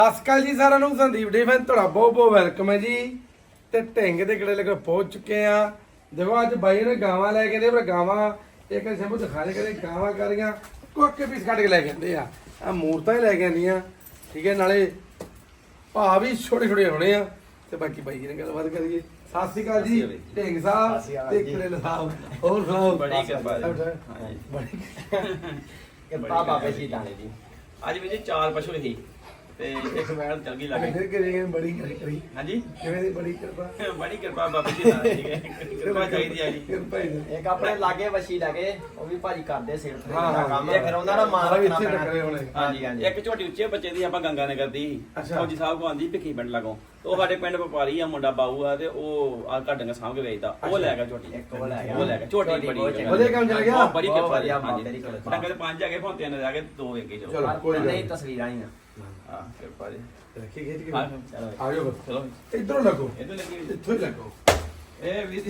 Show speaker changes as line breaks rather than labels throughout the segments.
ਅਸਕਲ ਜੀ ਸਾਰਿਆਂ ਨੂੰ ਸੰਦੀਪ ਡਿਫੈਂਸ ਤੁਹਾਡਾ ਬਹੁਤ ਬਹੁਤ ਵੈਲਕਮ ਹੈ ਜੀ। ਤੇ ਢਿੰਗ ਦੇ ਕਿਹੜੇ ਲਗੇ ਪਹੁੰਚ ਚੁੱਕੇ ਆ। ਦੇਖੋ ਅੱਜ ਬਾਈ ਨੇ ਗਾਵਾਂ ਲੈ ਕੇ ਆਂਦੇ ਪਰ ਗਾਵਾਂ ਇੱਕ ਸ਼ੰਭੂ ਦਿਖਾ ਦੇ ਕਦੇ ਗਾਵਾਂ ਕਰ ਰਹੀਆਂ ਕੋਕੇ ਪੀਸ ਕੱਢ ਕੇ ਲੈ ਕੇ ਆਂਦੇ ਆ ਮੂਰਤਾਂ ਹੀ ਲੈ ਕੇ ਆਂਦੀਆਂ ਠੀਕ ਹੈ। ਨਾਲੇ ਭਾ ਵੀ ਛੋਟੇ ਛੋਟੇ ਹੋਣੇ ਆ ਤੇ ਬਾਕੀ ਬਾਈ ਜੀ ਨੇ ਗੱਲਬਾਤ ਕਰੀਏ। ਸਤਿ ਸ਼੍ਰੀ ਅਕਾਲ ਜੀ ਢਿੰਗ ਸਾਹਿਬ ਤੇ ਕਿਹੜੇ ਸਾਹਿਬ ਹੋਰ ਸੁਣਾਓ।
ਬੜੀ ਕਿਰਪਾ
ਬੜੀ
ਕਿਰਪਾ ਬਾਬੇ ਜੀ ਦਾਣੇ ਦੀ। ਅੱਜ ਵੀ ਜੀ 4 ਪਸ਼ੂ ਸੀ ਤੇ ਇੱਕ ਵੈਲ ਚੱਲ ਗਈ ਲੱਗੇ।
ਫਿਰ ਕਿਹੜੇ ਬੜੀ ਕਰੀ
ਹਾਂਜੀ
ਕਿਵੇਂ ਦੀ ਬੜੀ ਕਿਰਪਾ
ਬੜੀ ਕਿਰਪਾ ਬਾਬੇ ਜੀ ਦਾਣੇ ਦੀ ਕਿਰਪਾ ਚਾਹੀਦੀ ਆ ਜੀ।
ਕਿਰਪਾ ਹੀ
ਇੱਕ ਆਪਣੇ ਲਾਗੇ ਵਸ਼ੀ ਲੱਗੇ ਉਹ ਵੀ ਭਾਜੀ ਕਰਦੇ ਸੇਲ
ਹਾਂ,
ਦਾ ਕੰਮ ਇਹ ਫਿਰ ਉਹਨਾਂ ਦਾ ਮਾਲ
ਵੀ
ਰੱਖਣਾ
ਇੱਥੇ
ਪੈਣਾ।
ਟੱਕਰੇ ਹੋਣੇ।
ਹਾਂਜੀ ਹਾਂਜੀ
ਇੱਕ ਝੋਟੀ ਉੱਚੇ ਬੱਚੇ ਦੀ ਆਪਾਂ ਗੰਗਾ ਨਗਰ ਦੀ
ਅੱਛਾ।
ਫੌਜੀ ਸਾਹਿਬ ਕੋ ਆਂਦੀ ਭਿੱਖੀ ਪਿੰਡ ਲਾਗੋਂ। ਉਹ ਸਾਡੇ ਪਿੰਡ ਵਪਾਰੀ ਆ ਮੁੰਡਾ ਬਾਊ ਆ ਤੇ ਉਹ ਆ ਘਾਟਾਂ ਸਾਂਭ ਕੇ ਵੇਚਦਾ। ਉਹ ਲੈ ਗਿਆ ਝੋਟੀ
ਇੱਕ ਉਹ ਲੈ ਗਿਆ।
ਉਹ ਲੈ ਗਿਆ ਝੋਟੀ ਬੜੀ
ਉਹਦੇ ਕੰਮ ਚੱਲ ਗਿਆ?
ਬੜੀ
ਬਹੁਤ
ਕਿਰਪਾ
ਵਧੀਆ
ਹਾਂਜੀ।
ਬਾਬੇ ਦੀ ਕਿਰਪਾ।
ਡੰਗਰ 5 ਹੈਗੇ ਫੋਨ 3 ਰਹਿ ਗਏ 2 ਵੇਖੇ
ਚਲੋ।
ਚਲੋ
ਕੋਈ ਗੱਲ
ਨਹੀਂ
ਨਹੀਂ।
ਤਸਵੀਰਾਂ ਹੀ ਆ
ਹਾਂ ਕਿਰਪਾ ਜੀ।
ਰੱਖੀ ਖਿੱਚ ਕੇ
ਹਾਂ
ਚਲੋ
ਆ ਜਾਓ
ਚਲੋ
ਇਧਰੋਂ ਲੱਗੋ
ਇਹਦੋਂ ਲੱਗੀ
ਇੱਥੋਂ ਹੀ ਲੱਗੋ।
ਇਹ ਵੀ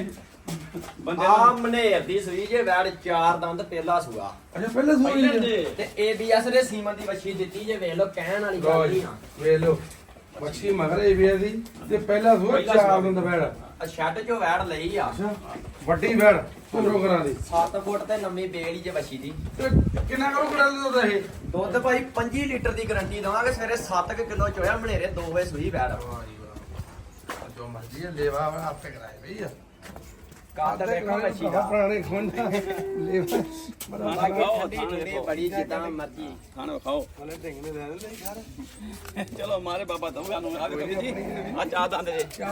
ਬੰਦੇ
ਆ ਮਨੇਰ ਦੀ ਸੂਈ ਜੇ ਵੈੜ 4 ਦੰਦ ਪਹਿਲਾ ਸੂਆ
ਅੱਛਾ ਪਹਿਲੇ ਸੂਈ
ਪਹਿਲਾਂ
ਜੀ
ਦੇ
ਤੇ ABS ਦੇ ਸੀਮਨ ਦੀ ਵਸ਼ੀ ਦਿੱਤੀ ਜੇ ਵੇਖ ਲਓ ਕਹਿਣ ਵਾਲੀ
ਲਓ
ਗੱਲ
ਜੀ
ਨਹੀਂ ਆ।
ਵੇਖ ਲਓ ਮੱਛੀ ਮਗਰ ਇਹ ਵੀ ਦੀ ਤੇ ਪਹਿਲਾ ਸੂਆ
ਪਹਿਲਾ
4
ਸੂਆ।
ਦਿਨ ਦਾ ਬੈੜ
ਆ ਸ਼ੈੱਡ ਚੋਂ ਵੈੜ ਲਈ ਆ
ਅੱਛਾ ਵੱਡੀ ਬੈੜ ਪੂਰੋ ਕਰਾਂ ਦੀ
7 ਫੁੱਟ ਤੇ ਲੰਮੀ ਬੇੜੀ ਜੇ ਵਸ਼ੀ ਦੀ
ਤੇ ਕਿੰਨਾ ਕਰੋ ਕਰਾ ਦੋ ਇਹ
ਦੁੱਧ ਭਾਈ 25 ਲੀਟਰ ਦੀ ਗਾਰੰਟੀ ਦਵਾਂਗੇ ਸਵੇਰੇ 7 ਕਿਲੋ ਚੋਇਆ ਮਨੇਰੇ 2 ਵਜੇ ਸੂਈ ਵੈੜ
ਵਾਹ ਜੀ ਵਾਹ ਜੋ ਮਰਜ਼ੀ ਹੈ ਲੇਵਾ ਆਪੇ ਕਰਾਏ ਭਈਆ
ਕਾਦ ਦੇਖੋ ਵਸ਼ੀ ਦਾ
ਪੁਰਾਣੇ ਖੁੰਡਾ ਲੇਵਾ ਬੜਾ
ਖਾਣਾ ਖਾਓ,
ਠੰਡੀ ਠੰਡੀ ਬੜੀ ਜਿੱਦਾਂ ਮਰਜ਼ੀ
ਖਾਣਾ ਖਾਓ
ਉਹਨੇ ਢਿੰਗ ਨੇ ਲੈ ਲਈ ਘਰ
ਚਲੋ ਮਾਰੇ ਬਾਬਾ ਦਊਗਾ ਨੂੰ ਆ ਦੇਖੋ ਜੀ ਆ ਚਾਹ ਦੰਦ ਜੇ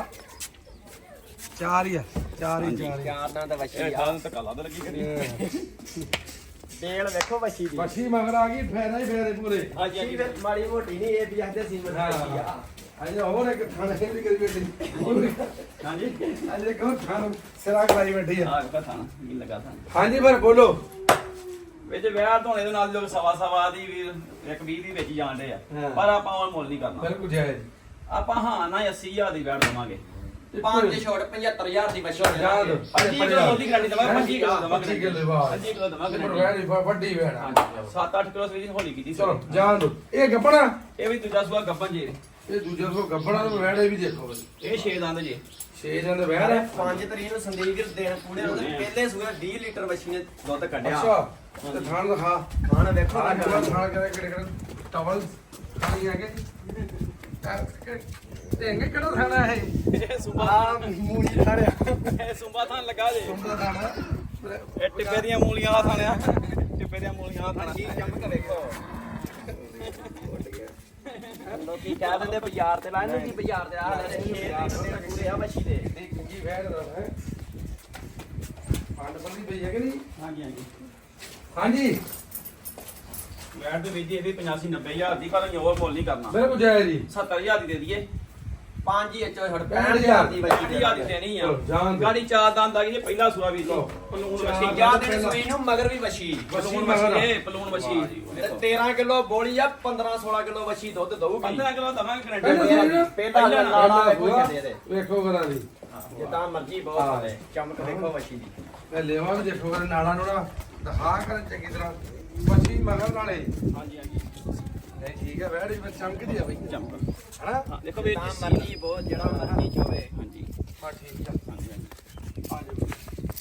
ਚਾਰ ਹੀ ਆ ਚਾਰ ਹੀ ਚਾਰ ਹੀ
ਚਾਰ ਦੰਦ ਵਸ਼ੀ
ਇਹ
ਆ
ਖਾਣ ਤੇ ਕਾਲਾ ਤਾਂ ਲੱਗੀ ਕਰੀ
ਤੇਲ ਵੇਖੋ ਵਸ਼ੀ ਦੀ
ਮੱਛੀ ਮਗਰ ਆ ਗਈ ਫੇਰਾ ਹੀ ਫੇਰੇ ਪੂਰੇ
ਹਾਂਜੀ
ਵਸ਼ੀ ਵਿੱਚ ਮਾੜੀ ਮੋਟੀ ਨਹੀਂ ABS ਦੇ ਸੀਮਨ ਦੀ ਵਸ਼ੀ ਆ
ਅਜੇ ਹੋਰ ਇੱਕ ਖਾਣਾ ਦੀ ਕਰੀ ਬੈਠੀ
ਹਾਂਜੀ
ਅਜੇ ਕਹੋ ਖਾਣ ਸਿਰਾ ਕਰਾਈ ਬੈਠੀ ਆ
ਆ ਕਾ ਖਾਣਾ ਕੀ ਲਗਾ ਥਾਂ
ਹਾਂਜੀ ਫਿਰ ਬੋਲੋ
ਵਿੱਚ ਵਿਆਹ ਧੋਣੇ ਦੇ ਨਾਲ ਲੋਕ ਸਵਾ ਦੀ ਵੀ ਇੱਕ 20 ਦੀ ਵਿੱਚ ਜਾਂਦੇ ਆ
ਹਾਂ।
ਪਰ ਆਪਾਂ ਉਹ ਮੁੱਲ ਨਹੀਂ ਕਰਨਾ
ਬਿਲਕੁਲ ਜਾਇਜ਼
ਆਪਾਂ ਹਾਂ ਨਾ 80000 ਦੀ ਬੈਠ ਦਵਾਂਗੇ
5 ਛੋੜ 75000 ਦੀ ਵਸ਼ੀ
ਯਾਦ
25 ਕਿਲੋ ਦੁੱਧ ਦੀ ਗਾਰੰਟੀ ਦਵਾਂਗੇ 25 ਕਿਲੋ ਦਵਾਂਗੇ
25 ਕਿਲੋ ਬਾਅਦ
25 ਕਿਲੋ ਦਵਾਂਗੇ
ਪਰ ਵੈੜੀ ਵੱਡੀ ਵੈੜਾ
7-8 ਕਿਲੋ ਸਵੇਰ ਹੋਲੀ ਕੀਤੀ ਸੀ।
ਚਲੋ ਜਾਣ ਦੋ ਇਹ ਗੱਪਣਾ
ਇਹ ਵੀ ਦੂਜਾ ਸੂਆ ਗੱਬਨ ਜੀ
ਇਹ ਦੂਜਾ ਸੋ ਗੱਪਣਾ ਨੂੰ ਵੈੜੇ ਵੀ ਦੇਖੋ
ਇਹ 6 ਦੰਦ ਜੀ
6 ਜਣ ਦੇ ਵੈੜ ਹੈ
5 ਤਰੀਕ ਨੂੰ ਸੰਦੀਪ ਵੀਰ ਦੇਣ ਪੂੜੇ ਨੂੰ ਪਹਿਲੇ ਸੂਏ 20 ਲੀਟਰ ਵਸ਼ੀ ਨੇ ਦੁੱਧ ਕੱਢਿਆ
ਅੱਛਾ ਤੇ ਥਾਣ ਦਿਖਾ
ਖਾਣ ਵੇਖੋ
ਥਾਣ
ਲੱਗਾ
ਕਿਹੜੇ ਕਿਹੜੇ ਟਵਲ ਖਾਣੀ ਹੈਗੇ ਢਿੰਗ ਕਿਹੜਾ ਥਾਣਾ ਹੈ
ਇਹ ਸੁੰਬਾ
ਆ ਮੂਲੀ ਖੜਿਆ
ਇਹ ਸੁੰਬਾ ਥਾਂ ਲੱਗਾ ਜੇ
ਸੁਣਦਾ ਥਾਣਾ
ਇਹ ਟਿੱਬੇ ਦੀਆਂ ਮੂਲੀਆਂ ਦਾ ਥਾਣਿਆ ਟਿੱਬੇ ਦੀਆਂ ਮੂਲੀਆਂ ਦਾ ਥਾਣਾ
ਜੀ ਚਮਕ ਵੇਖੋ ਲੋਕੀ ਕਹਿ ਦਿੰਦੇ ਬਾਜ਼ਾਰ ਤੇ ਲਾਣੇ ਕੀ ਬਾਜ਼ਾਰ ਤੇ ਆ ਲੈ ਪੂਰੇ ਆ ਵਸ਼ੀ ਦੇ
ਇਹ ਗੁੰਜੀ ਵੈੜ ਦਾ ਹੈ ਪੰਡ ਬੰਦੀ ਪਈ ਹੈ ਕਿ ਨਹੀਂ
ਹਾਂਜੀ ਹਾਂਜੀ
ਹਾਂਜੀ
ਵੈਟ ਦੇ ਵਿੱਚ ਇਹਦੀ 85-90,000 ਦੀ ਪਰ ਅਸੀਂ ਉਹ ਮੁੱਲ ਨਹੀਂ ਕਰਨਾ
ਬਿਲਕੁਲ ਜਾਇਜ਼ ਜੀ
70,000 ਦੀ ਦੇ ਦਈਏ
5 ਹੀ ਐਚਓ ਛੜ
65,000
65,000 ਦੀ ਵਸ਼ੀ
60,000 ਦੀ ਦੇਣੀ ਆ
ਚਲੋ, ਜਾਣ ਦਿਓ।
ਗਾੜੀ ਚਾਰ ਦੰਦ ਆ ਗਈ ਜੇ ਪਹਿਲਾ ਸੂਆ ਵੀ ਜੀ
ਲਓ।
ਪਲੂਣ
ਚਾਰ
ਵਸ਼ੀ
ਜਾ ਦੇ ਸੂਈ ਨੂੰ ਮਗਰ ਵੀ ਵਸ਼ੀ
ਪਲੂਣ
ਮਗਰ।
ਵਸ਼ੀ ਇਹ ਪਲੂਣ ਵਸ਼ੀ
ਤੇ 13 ਕਿਲੋ ਬੋਲੀ ਆ 15-16 ਕਿਲੋ ਵਸ਼ੀ ਦੁੱਧ ਦਊਗੀ
15 ਕਿਲੋ ਦਵਾਂਗੇ
ਪਹਿਲਾਂ
ਗਰੰਟੀ
ਸੂਈ ਨਾ?
ਪਹਿਲਾ ਲਾੜਾ ਵੇਖੋ ਛੱਡੇ ਦੇ
ਵੇਖੋ ਕਰਾਂ ਦੀ
ਜਿੱਦਾਂ ਮਰਜੀ ਬਹੁਤ
ਹਾਂ।
ਹੈ ਚਮਕ ਵੇਖੋ ਵਸ਼ੀ ਦੀ
ਮੈਂ ਲੈਵਾ ਵੀ ਦੇਖੋ ਕਰ ਨਾਲਾ ਨੂੜਾ ਦਿਖਾ ਕਰ ਚੰਗੀ ਤਰ੍ਹਾਂ ਮੱਛੀ ਮਗਰ ਨਾਲੇ
ਹਾਂਜੀ ਹਾਂਜੀ
ਨਹੀਂ ਠੀਕ ਹੈ ਵੈੜ ਵੀ ਚਮਕਦੀ ਆ ਬਈ
ਚੰਪ
ਹਨਾ
ਹਾਂ ਦੇਖੋ ਵੀ
ਤਾਂ ਮਰਜੀ ਬਹੁਤ ਜਿਹੜਾ ਮਰਜੀ ਚੋਵੇ
ਹਾਂਜੀ
ਹਾਂ ਠੀਕ ਆ
ਹਾਂਜੀ ਹਾਂਜੀ
ਆ ਜਾਓ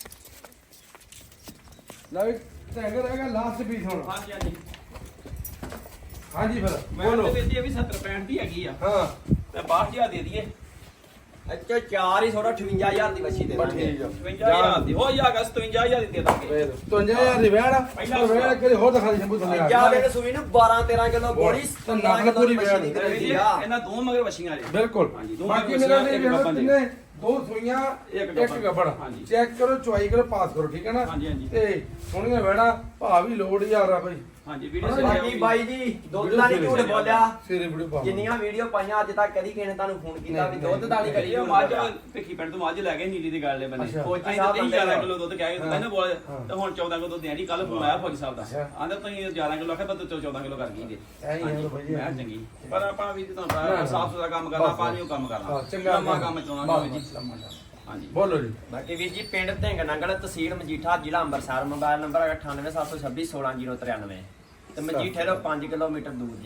ਲੈ ਵੀ ਟੈਂਗਰ ਹੈਗਾ ਲਾਸਟ ਪੀਸ ਹੁਣ
ਹਾਂਜੀ ਹਾਂਜੀ
ਹਾਂਜੀ ਫਿਰ
ਮੈਂ
ਬੋਲੋ
ਤੇ ਇਹ ਵੀ 70-65 ਦੀ ਹੈਗੀ ਆ
ਹਾਂ
ਤੇ 62000 ਦੇ ਦਈਏ
ਅੱਛਾ 4 ਹੀ ਥੋੜਾ 58000 ਦੀ ਵਸ਼ੀ ਦੇ
ਬਸ
ਦਾਂਗੇ
ਠੀਕ ਆ
55000 ਦੀ ਹੋ ਜਾਗਾ 57000 ਦੀ ਦੇ ਦਾਂਗੇ
55000 ਦੀ ਵੈੜ
ਪਹਿਲਾਂ
ਉਹ ਵੈੜ ਕਦੇ ਹੋਰ ਦਿਖਾ ਦੇ ਸ਼ੰਭੂ ਥੱਲੇ ਆ
ਜਾ ਦੇ ਸੂਈ ਨੂੰ 12-13 ਕਿਲੋ ਬੋਲੀ
ਤਾਂ ਨਕਲ ਪੂਰੀ ਵੈੜ ਦੀ।
ਇਹਨਾਂ ਦੋ ਮਗਰ ਵਸ਼ੀਆਂ ਜੀ
ਬਿਲਕੁਲ
ਹਾਂਜੀ, ਦੋ
ਬਾਕੀ
ਮਗਰ
ਮੇਰਾ
ਵਸੀਆਂ,
ਨਹੀਂ
ਇੱਕ ਗੱਭਣ ਜੀ।
ਕਿੰਨੇ ਦੋ ਸੂਈਆਂ
ਇੱਕ
ਇੱਕ ਗੱਬੜ
ਹਾਂਜੀ।
ਚੈੱਕ ਕਰੋ ਚੁਆਈ ਕਰੋ ਪਾਸ ਕਰੋ ਠੀਕ ਹੈ ਨਾ
ਹਾਂਜੀ, ਹਾਂਜੀ।
ਤੇ ਸੋਹਣੀਆਂ ਵੈੜਾ ਭਾ ਵੀ ਲੋੜ ਯਾਰ ਆ ਬਈ
ਹਾਂਜੀ ਵੀਡੀਓ
ਬਾਕੀ ਬਾਈ ਜੀ ਦੁੱਧ ਦਾ ਨਹੀਂ ਝੂਠ ਬੋਲਿਆ
ਸਵੇਰੇ ਵੀਡੀਓ ਪਾ
ਜਿੰਨੀਆਂ ਵੀਡੀਓ ਪਾਈਆਂ ਅੱਜ ਤੱਕ ਕਦੀ ਕਿਸੇ ਨੇ ਤੁਹਾਨੂੰ ਫੋਨ ਕੀਤਾ ਵੀ ਦੁੱਧ ਦਾ ਨਹੀਂ ਕਰੀ
ਇਹ ਮੱਝ ਭਿੱਖੀ ਪਿੰਡ ਤੋਂ ਮੱਝ ਲੈ ਗਏ ਨੀਲੀ ਦੀ ਗੱਲ ਦੇ ਬੰਦੇ
ਅੱਛਾ।
ਫੌਜੀ
ਅਸੀਂ
ਸਾਹਿਬ
ਤਾਂ 11 ਕਿਲੋ ਦੁੱਧ ਕਹਿ ਕੇ ਕਹਿੰਦੇ ਬੋਲ
ਹਾਂ।
ਤੇ ਹੁਣ 14 ਕਿਲੋ ਦੁੱਧ ਦੇਣੀ ਕੱਲ ਫੋਨ ਆਇਆ ਫੌਜੀ ਸਾਹਿਬ ਦਾ
ਅੱਛਾ।
ਆਂਦੇ ਤੁਸੀਂ 11 ਕਿਲੋ ਆਖਿਆ ਤਾਂ 14 ਕਿਲੋ ਕਰ ਗਈ ਜੇ
ਐਂ ਹੀ ਹੈ ਭਾਈ
ਮੈਂ ਚੰਗੀ ਪਰ ਆਪਾਂ ਵੀ ਤੁਹਾਨੂੰ ਪਤਾ ਸਾਫ ਸੁਥਰਾ ਕੰਮ ਕਰਨਾ ਆਪਾਂ ਨਹੀਂ ਉਹ ਕੰਮ ਕਰਨਾ
ਹਾਂ ਚੰਗਾ
ਲੰਮਾ ਕੰਮ ਚਲਾਉਣਾ ਜੀ ਹਾਂਜੀ
ਬੋਲੋ ਜੀ
ਬਾਕੀ ਵੀਰ ਜੀ ਪਿੰਡ ਢਿੰਗ ਨੰਗਲ ਤਹਿਸੀਲ ਮਜੀਠਾ ਜ਼ਿਲ੍ਹਾ ਅੰਮ੍ਰਿਤਸਰ ਮੋਬਾਈਲ ਨੰਬਰ 9876216093 ਤੇ ਮਜੀਠੇ ਤੋਂ 5 ਕਿਲੋਮੀਟਰ ਦੂਰ ਜੀ।